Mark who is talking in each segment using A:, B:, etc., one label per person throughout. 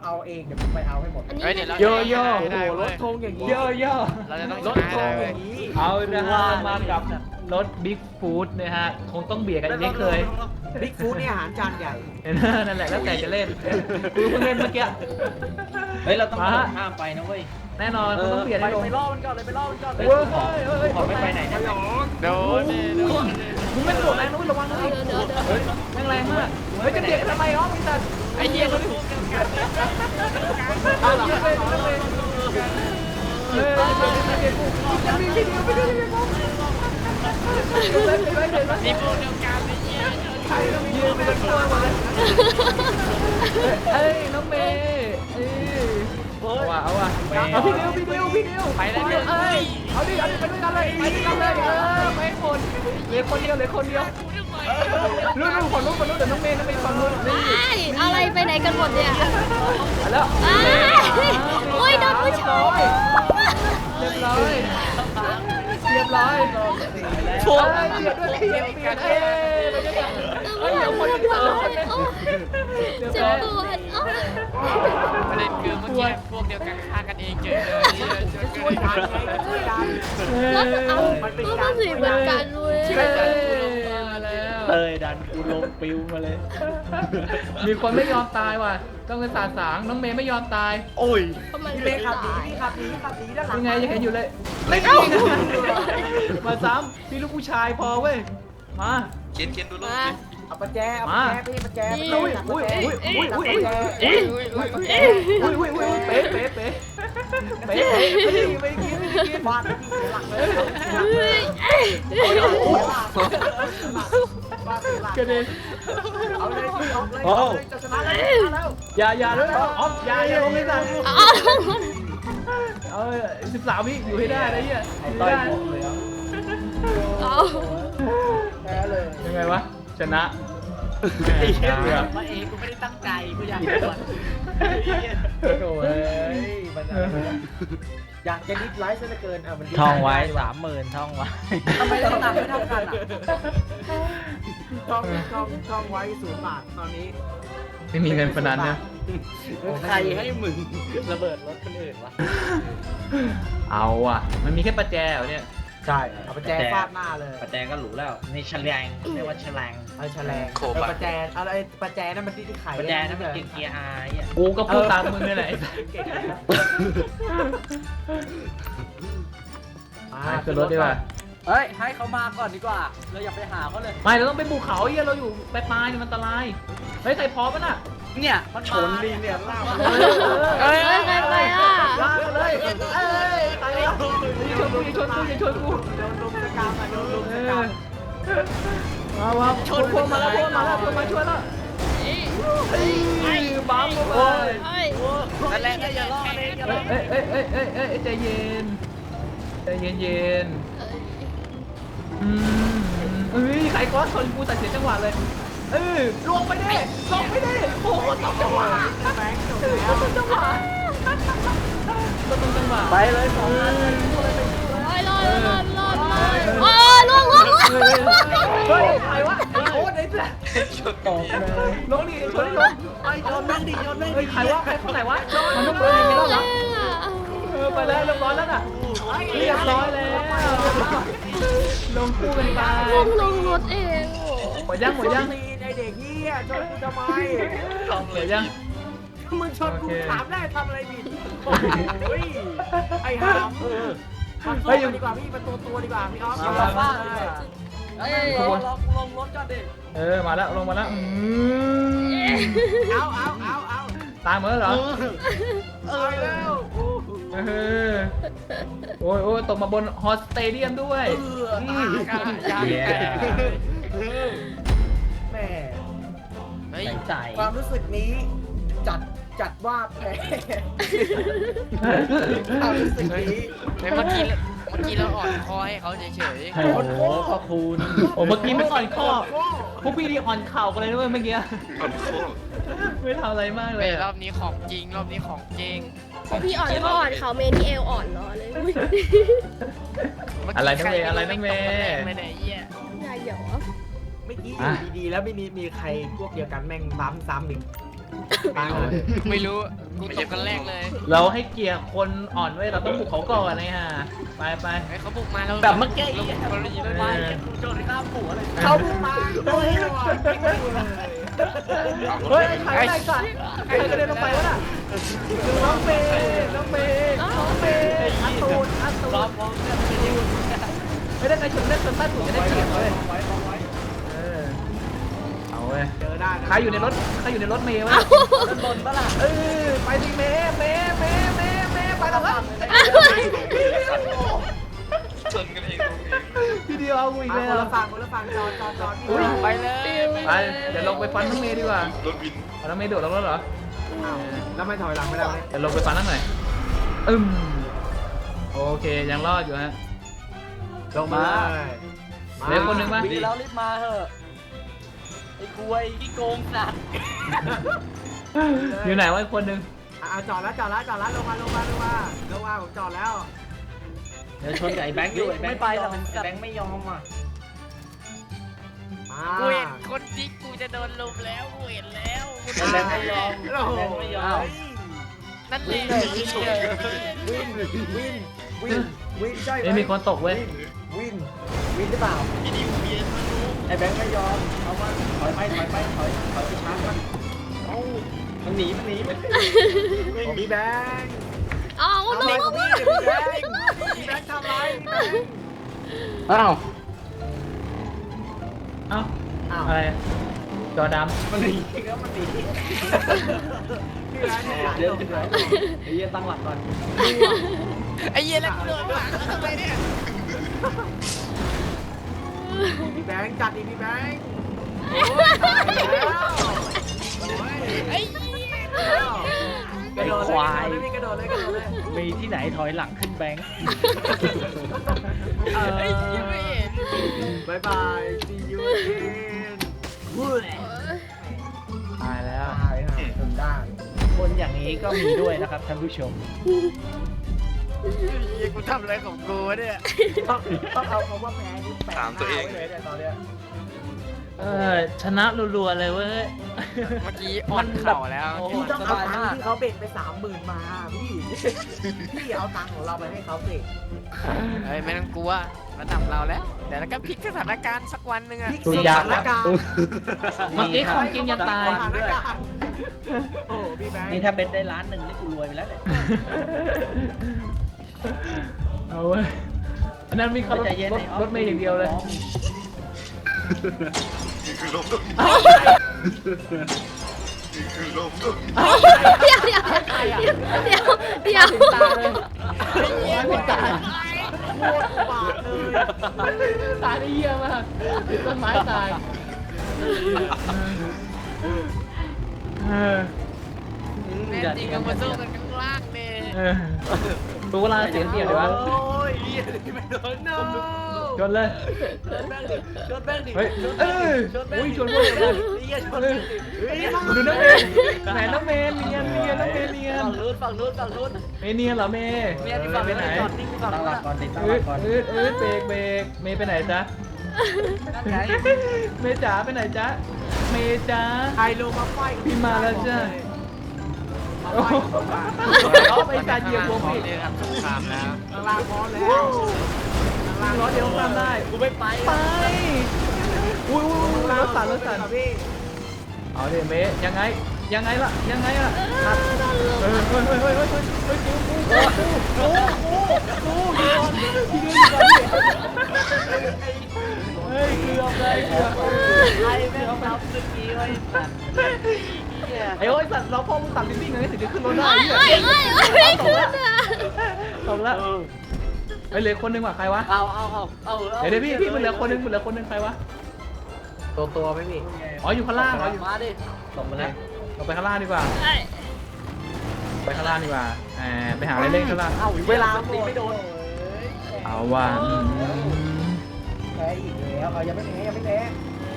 A: เอาเองเดี๋ยวผมไปเอาให้หมด
B: เฮ้ยเดี๋ยวเรา
C: โยโย่
A: โอ้โหรถธงอย่างนี้
C: โยโย่
B: เราจะต้อง
A: รถ
B: ช
A: ธง
B: นะ
A: อ
B: เลย
A: ย่างนี้
C: เอานะฮะมากับรถบิ๊กฟู้ดนะฮะคงต้องเบียดกันอีกเคย
A: บิ๊กฟู้ดนี่อาหารจานใหญ่
C: เห็นไหมนั่นแหละแล้วแต่จะเล่นกูเพิ่งเล่นเมื่อกี้
D: เฮ้ยเราต้อง
C: มา
D: ข้ามไปนะเว้ย
C: แน่นอนคงต้องเบียด
A: ไป
C: ให้ลง
A: ไปล่อมันก่อนเลยไปล่อมันก่อนเลย
C: เว้ย
D: ขอไม่ไปไหนนะ
B: โดนดิโดนดิ
C: มึงไม่โดดแรงนู้นระวังนะ
E: เดี๋ยว
C: เฮ้ยแรงมากเฮ้ยจะเบียดทำไมอ๋อมีแต่
B: ไอ้เหี้ยมันพูดกันกัน
C: เอาเหรอเฮ้ยเฮ้ยเฮ้ยจะมีวิดีโอไปด้วยไหมครับ
B: นี่พวกเดียวกันไอ้เหี้ย
C: ใครต้องยืนเป็นตัวหมดเลยเอ้ยน้องเมย์เอาว่ะเอาพี่เดียว
B: ไปแล้ว
C: เอ้ยเอาดิไปด้วยกันเลยไปด้วยกันเลยไปหมดเหลือคนเดียวรู้คนนู้นเดี๋ยวน้องเมย์ฝั่งนู้นนี่
E: อะไรไปไหนกันหมดเนี่ย
C: แล้ว
E: โอ้ยโดนผู้ชาย
C: เรียบร้อยพวกเบียดด้วยเบียดเอ้ยเดี๋ยวคนเดียว
E: เจ็บปวด
B: ประเด็นคือเมื่อกี้พวกเดียวกันฆ่ากันเองเฉยเลย
A: ช่วยกันไงช่วยกัน
E: แล้วเอาก็มาสีเหมือนกันเว้ย
C: มาแล้ว
D: เตยดันกูลงปิวมาเลย
C: มีคนไม่ยอมตายว่ะต้องเป็นสาสางน้องเมย์ไม่ยอมตาย
D: โอ้ย
E: มัน
A: พี่
E: ไม่
A: เมย์ขับหนี
E: ตาย
A: พี่ขับหนีด้านหลัง
C: ยังไงยังเห็นอยู่เลยไม่มาซ้ำพี่ลูกผู้ชายพอเว้ยมา
F: เขียนดูรูป
E: มา
F: สิ
A: เอาประแจพี่ประแจ
C: อุ้ยเป๊ะไม่กิน
A: ฟาดที่หลังเลย
C: กระเด็น
A: เอาเลยพี่ออกเลยจะชนะแล้ว
C: อย่าด้วยออฟอย่าลงเลยสั่ง
E: เอา
C: 13 วิอยู่ให้ได้นะเนี่ย
D: ต่อยหมดเลย
E: เอา
A: แพ้เลย
C: ยังไงวะชนะ
D: ไอ้เหี้ย
A: มาเองกูไม่ได้ตั้งใจกูอยากโดนโอ้ยมันอยากจะนิดไลฟ์ซะเหลือเกินมัน
D: ท่องไว้30,000ท่องไว้
A: ทำไมเราต่างไม่เท่ากันอ่ะท่องไว้0 บาทตอนนี้
C: ไม่มีเงินพนันนะ
D: ใครให้มึงระเบิดรถคนอื่นวะ
C: เอาอ่ะมันมีแค่ประแจเหรอเนี่ย
A: ใช่เอาประแจฟาดหน้าเลย
D: ประแจก็หรูแล้วนี่แฉลงเรียกว่าแฉลง
A: เอาแฉลงประแจอะไรประแจนั่นมันที่ไข่
D: ประแจนั่นมันเกียร์อาร์อ่ะ
C: กูก็พูดตามมึงนี่แหละ ขึ้นรถดีกว่า
A: เฮ้ยให้เขามาก่อนดีกว่าเราอย่าไปหาเขาเลย
C: ไม่เราต้องไปภูเขาเฮียเราอยู่ปลายๆเนี่ยมันอันตรายเฮ้ยใครพร้อมป่ะน่ะ
A: เนี่ยมันชนลิงเนี่ยลากมา
E: เฮ้ยไปอ่ะ
C: ลากมาเลยเอ้ยตายแล้วอย่าชนกูโดน
A: ลมสกามโดนลมสกาม
C: มาชนพวกมาแล้วพวกมาช่วยแล้วบัมเข้าไป
B: นั่นแหละอย่าล้อเลยอย่าล้อ
C: เอ้ยใจเย็นใครก้อนชนกูตัดเสียจังหวะเลยลงไปดิโอ้โหต้องจังหวะ
A: แบงค์จบ
C: ต้องจังหวะ
A: ไปเลย2 อัน
E: รอดโอ้ล่วง
C: เฮ้ยใครวะโอ้ยไอ้แจ๊
D: ตกเลย
C: ลงดิชนให้ลง
A: ไปโยนแม่งดิโยนแม่ง
C: เฮ้ยใครวะใครคนไหนวะมันต้องเป็นอย่างนี้แล้วเหรอไปแล้วเรียบร้อยแล้วน่ะเรียบร้อยแล้วลงคู่กันไป
E: ลงรถเอง
C: หมดยัง
A: ไอเด็กเหี้ยชนกูทำไม
C: เหลือยัง
A: มึงชนกูถามได้ทำอะไรผิดโอ้ยไอ้หามมันสู้กันดีกว่าพี่มันตัวดีกว่าพี่ออฟลงรถก่อนดิ
C: มาแล้วลงมาแล้ว
A: เอา
C: ตายหมดแล้วเหรอ
A: แล้ว
C: โอ้ยตกมาบนฮอสเตเดียมด้วย
A: แม่
B: เฮ้ย
D: ใจ
A: ความรู้สึกนี้จัดว่าแพ้ความรู้สึกนี้
B: เมื่อกี้เราอ่อนคอให้เขาเฉย
D: โอ้โหขอบคุณ
C: โอ้เมื่อกี้ไม่อ่อนข้อพวกพี่ดีอ่อนเข่ากันเลยด้วยเมื่อกี้
F: อันโคตร
C: ไม่ทำอะไรมาก
B: ๆ
C: เลย
B: รอบนี้ของจริงรอบนี้ของจริง
E: พี่อ่อนก็อ่อนเขาเมนี่เอลอ่อนรอเลย
C: อะไรนั่นเมย์อะไรนั่นเมย์
B: ไม่ได้เหี้ย
E: อย่าเหยอ
A: เมื่อกี้อยู่ดีๆแล้วไม่มีใครพวกเดียวกันแม่งซ้ำอีก
B: ไม่รู้กูตกกันแรกเลย
C: เราให้เกียร์คนอ่อนไว้เราต้องบุกเขาก่อนนะฮะไปไป
B: ไอ้เขาบุกมาแล้ว
D: แบบเมื่อกี้
B: เราเรายิง
D: ไป
B: ไป
D: กูโจนข้ามหัวเลย
A: เขาบุกมาโอ้ย
C: เฮ้ยใครไอ้สัตว์ใครกระเด็นลงไปวะน่ะน้องเมย์น้องเมย์น้องเมย์อัตูนอัตู
D: รอน บมองเนี่ยไม่ได้
C: ไม่ได้ใครชนเล่นชนใต้ถุนจะได้เกียร์เลยเอาเว้ย
A: เจอได้นะ
C: ใครอยู่ในรถใครอยู่ในรถเมย์วะ
A: ด้านบนปะล่ะ
C: ไปสิเมย์ไปแล้วครับ
B: ชนกันเอง
C: พี่เดียวเอากูอีก
A: คน
C: แล้ว
A: ละฝั่งคนละฝั่งจอด
B: ไปเลย
C: ไปเดี๋ยวลงไปฟันน้องเมย์ดีกว่า
B: รถวิน
C: เอาน้องเมย์โดดลงแล้วเหรอ
A: แล้วไม่ถอยหลังไม่ได้เลย
C: เดี๋ยวลงไปฟันนั่นหน่อยโอเคยังรอดอยู่ฮะ
A: ลงมา
C: เหลือคนหนึ่งมั้ย
D: วิ่งแล้วรีบมาเถอะไอ้กวยที่โกงสัตว์
C: อยู่ไหนวะอีกคนนึง
A: จอดแล้วลงมาผมจอดแล้ว
D: เดี๋ยวชนกับไอ้แบงค์อยู่ไอ้แบงค์ไม่ไปหรอกไอ้แบงค์ไม่ยอมอ่ะ
B: กูเห็นคนจิกกูจะโดนลุมแล้วกูเห็นแล้วกู
D: ไอ้แบงค์ไม่ยอมแบงค์ไม่ยอม
B: นั่นแหละ
A: วิ่งใช่ไหม
C: ไม่มีคนตกเว้ย
A: วิ่งหรือเปล่า
D: ไอ้แบงค์ไม่ยอมเอามาถอยไปไปชาร์จมันเอ้ามันหนี
A: มีแบงค์
E: อ้าวน้อง
A: มีแบงค์ทำไร
D: อ้าว
C: เอ้าอะไรจอด
D: มันหนีแล้วมันหนีเดี๋ยวไอ้เหี้ยตั้งหลักก่อน
B: ไอ้เหี้ยแล้วกูโดนหลังแล้วทำไมเนี่ย
A: มีแบงค์จัดอีกมีแบงค์
B: ไอ้เหี้ย
A: กระโดดเลยกระโดดเลย
D: มีที่ไหนถอยหลังขึ้นแบงค์
B: ไอ้เหี้ยไม่เห็น
A: บายบาย see you again
C: ำตายแล้ว
A: ได้ทำได้
D: คนอย่างนี้ก็มีด้วยนะครับท่านผู้ชม
B: เหี้ยกูทำอะไรของกูวะเนี่ย
A: ต้องเอาคำว่าแพ้นี่แปะหน้าไว้เลยเนี่ยตอนเนี้ย
C: ชนะรัวๆเลยเว้ย
B: เมื่อกี้อ่อนเข่าแล้ว
A: พี่ต้องเอาตังค์ที่เขาเบ็ดไป30,000มาพี่เอาตังค์ของเราไปให้เขาสิ
B: เฮ้ยไม่ต้องกลัวระดับเราแล้วเดี๋ยวเราก็พลิกสถานการณ์สักวันหนึ่งอะ
C: สุดยอด
A: สถานการณ์
C: เมื่อกี้ของจริงยังตาย
A: สถานการณ์โอ้พี่แบงค์
D: นี่ถ้าเป็นได้1,000,000นี่กูรวยไปแล้วเนี่ย
C: เอาเว้ยอันนั้นมีขับรถเมย์อย่างเดียวเลย
E: เดี๋ยว
C: ตาเลยไม่ตาย
A: โคตรบาดเลย
C: ตายได้เยี่ยมมากติดต้นไม้ตายเออ
B: แน่จริงก็มาสู้กันข้างล่างเนี่ย
C: รู้ว่าเราเสียงเปลี่ยนเลยวะ
A: โอ้ยเหี้ยไม่โดนโน่
C: ชนเลย
A: ชนแบงค์ดิชนแบงค์ดิ
C: เฮ้ย
A: ชนแบ
C: เอ้
A: งค์
C: ย
A: ดิชนแบงค์ดิ
C: อุ้ยชนพวกเลย
A: เหี้ยชนแบงค์ดิเฮ้ย
C: ดูน้องเมย์ไหนน้องเมย์เนียนน้องเมย์เนียน
D: ฝั่งนู้น
C: เมย์เนียนเหรอเมย์
D: เนี่ยที่ฝั่ง
C: ไป
D: นู้น
C: ไหน
D: จอดนิ่งฝั่ง
A: ตั้ง
D: นู้
A: หลั
D: น
A: กก่อนดิตั้งห
C: อื
A: ลั
C: ด
A: กก่อน
C: เบรกเมย์ไปไหนจ๊ะ
D: นั่นไง
C: เมย์จ๋าไปไหนจ๊ะเมย์จ๋า
A: ใครลงมาไฟกับ
C: พี่มาแล้วจ้ะ
A: มา
C: โอ้
A: ไฟ
C: โห
A: กับ
C: เอาไปการเหยียบหัวพี่
B: เรือครับสงครามแล้ว
A: ข้างล่างพร้อมแล้วข้างล่าง
C: ร้อยเดียวข้ามได้
D: กูไม่ไป
C: ไปอุ้ยรถสั่น
A: พี่
C: เอาดิเมย์ยังไงล่ะครับเฮ้ยกูพี่เดือนอยู่ก่อนดิเฮ้ยเกือบ
D: ใครแม่งทำเมื่อกี้ไว้สัตว์เนี่ย
C: ไอ้โอ้ยสัตว์เราพ่อมึงตัดลิ้นวิ่งเลยถึงจะขึ้นรถได้
E: ไม่ขึ้นอ่ะ
C: ตกแล้วไอ้เหลือคนนึงว่ะใครวะ
D: เอา
C: เดี๋ยวพี่มันเหลือคนนึงใครวะ
A: ตัวไหมพี่
C: อ๋ออยู่ข้างล่าง
D: มาดิ
C: ส่งมาแล้วเราไปข้างล่างดีกว่าไปข้างล่างดีกว่าไปหาอะไรเล่นข้างล่าง
A: เวลาหมดไม่โดน
C: เอาว่ะ
A: แพ้อีกแล้วเอายังไม่แพ้พี่เมย์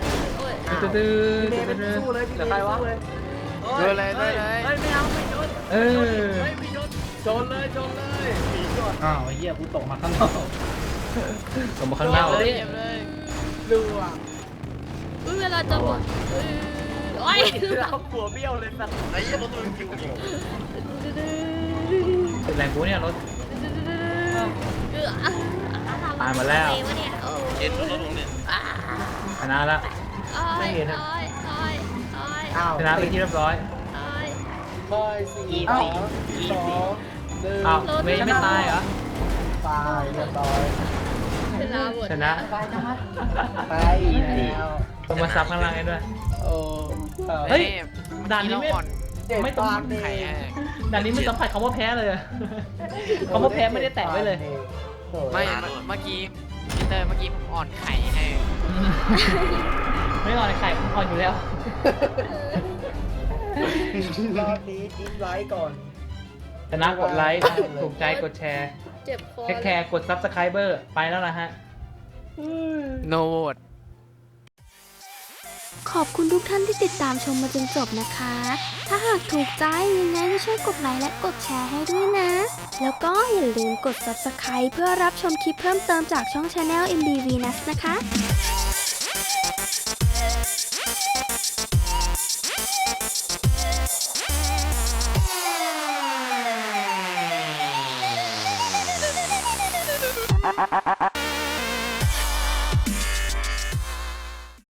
A: เป็นสู้เลยพี่เมย์สู้เลย
B: ด้วยเลย
A: ไม่เอาไม่โดน
C: ไม่ชน
A: โจนเลยหนีก่อน
D: อ้าวไอ้เหี้ยกูตกมาข้างนอก
C: ส่งมาข้างล่าง
B: เลยเจ็บเลย
A: ดูอ่ะ
E: เวลาจะหมดโอ้ย
A: เราหัวเบี้ยวเลยสัตว์
D: ไอ้ยี่รถมันคิวอยู่
C: เป็นแรงกูเนี่ยรถ ตายหมดแล้ว
E: อะไระเนี่ยโอ้
D: เอ็นรถลงเนี่ย
C: ชนะละ ไม่เห็นอะ
A: อ้าว
C: ชนะไปนที่เรียบร้อย
A: บอย4 3 2 1
C: อ้าวเมย์ยังไม่ตายเหรอ
A: ตายเรียบร้อย
E: เวลาหมด
C: ชนะ
A: ไปนะไปแล้ว
C: ต้องมาซับข้างล่างให้ด้วย
A: โอ้
C: เฮ้ย ด่านนี้ไม่
B: อ่อน
C: ไม่ต้อง
B: ไข่ให้
C: ด่านนี้ไม่ต้องผัดคำว่าแพ้เลยอะคำว่าแพ้ไม่ได้แตะไว้เลย
B: ไม่เมื่อกี้พีเตอร์เมื่อกี้ผมอ่อนไข่ให้
C: ไม่อ่อนไข่อ่อนอยู่แล้ว
A: รอบนี้ดิ้นไลค์ก่อน
C: ชนะกดไลค์ ถูกใจกดแชร์
E: เจ็บคอ
C: แค่แคร์กดซับสไครเบอร์ไปแล้วนะฮะ
B: โนโหวต
F: ขอบคุณทุกท่านที่ติดตามชมมาจนจบนะคะ ถ้าหากถูกใจยังไงก็ช่วยกดไลค์และกดแชร์ให้ด้วยนะ แล้วก็อย่าลืมกด Subscribe เพื่อรับชมคลิปเพิ่มเติมจากช่อง Channel MBVNus นะคะ
G: Ha ha ha!